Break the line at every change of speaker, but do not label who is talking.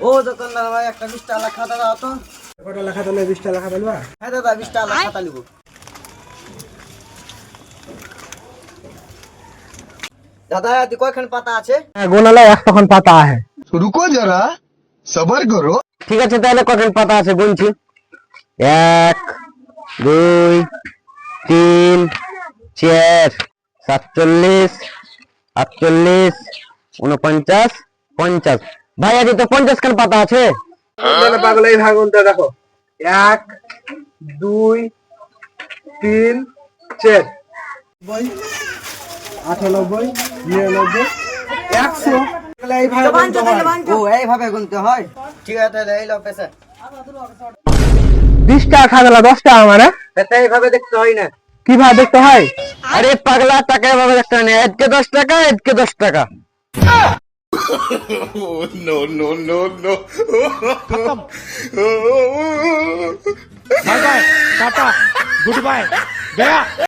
ও দোকানদার ভাই একটা 20 টাকা খাতা দাও তো।
কত টাকা খাতা নেবে? 20 টাকা খাতা নেবা?
হ্যাঁ দাদা 20 টাকা খাতা নিব। দাদা এতে কয়খান পাতা আছে?
গোনালে 100 খান পাতা আছে।
रुको जरा सबर करो।
ঠিক আছে তাহলে কয়খান পাতা আছে গুনছি। 1 2 3 4 47 48 49 50। ভাই আজ তো 50 খান পাতা আছে। মানে পাগল এই ভাগ গুনতে দেখো। 1 2 3 4 98 99 100। এই ভাগ গুনতে হয়।
ও এইভাবে গুনতে হয়। ঠিক আছে তাহলে এই লাও পয়সা।
20 টাকা খাওয়া 10 টাকা মানে
এটা এইভাবে দেখতে হয় না।
কিভাবে দেখতে হয়? আরে পাগলা টাকা এভাবে দেখতে হয় না। এদিকে 10 টাকা এদিকে 10 টাকা।
No no no no
bye bye tata good bye गया।